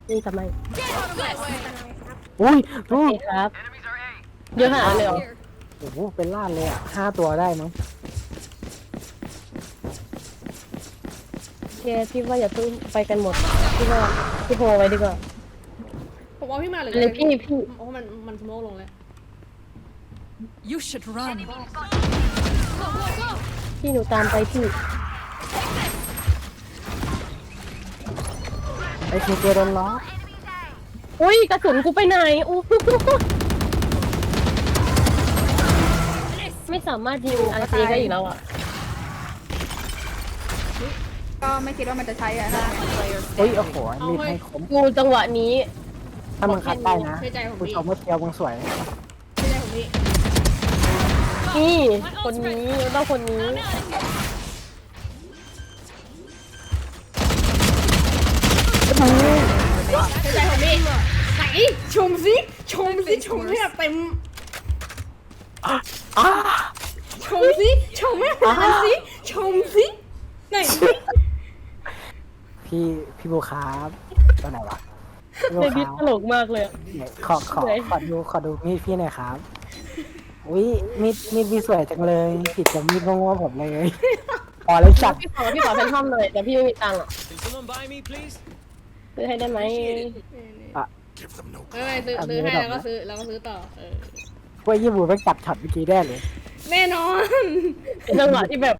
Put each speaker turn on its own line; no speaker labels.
นี่ทำไม
อุ้ย
โอเคครับเยอะขนาดนั้นเลยเหรอ
โอ้โหเป็นล้านเลยอ่ะ5 ตัวได้มั้ง
แกพี่ว่าอย่าเพิ่งไปกันหมดพี่ว่าพี่โฮไว้ดีกว่า
ผมว่าพี่มาเลย
เลยพี่
เพราะว่ามันสโมกลงแล้ว
You should run.
พี่หนูตามไปพี่
ไอ้ทีเจโดนล้อ
อุ้ยกระสุนกูไปไหนอู้ไม่สามารถยิงอาร์ซีได้อีกแล้วอ่ะ
ก็ไม่คิดว่ามันจะใช้อะนะ
เฮ้ยโอ้โหมีดให้คม
กูจังหวะนี้
ถ้ามึงคัดได้นะ
เชื่อใจผม
ผู้
พี่
ชมเมื่อเทียวมึงสวย
เชื่อใจผมพี่
นี่คนนี้ต้องคนนี้
เชื่อใจผมพี่ไหนชมสิชมสิชมให้แบบเต็มชมสิชมให้แบบเต็มสิชมสิไหนสิ
พี่บูครับตัวไหนวะพี่บู
ใน
ค
พิษ
รับ
ตลกมากเลยอะ
เนี่ยขอดูมีดพี่หน่อยครับอุ้ยมีดพี่สวยจังเลยผิดกับมีดโง่ๆผมเลยพอเลยจัด
พี่ขอแฟนทอมเลยแต่พี่ไม่มีตังค์อ่ะ
Can someone buy me, please?
ซื้อให้ได้ไหม
เอ้ยซื้อให้แล้วก็ซื้อต่อ
พวกยี่บูไปจับช็อตเมื่อกี้ได้เลย
แน่นอน
เป็นจังหวะที่แบบ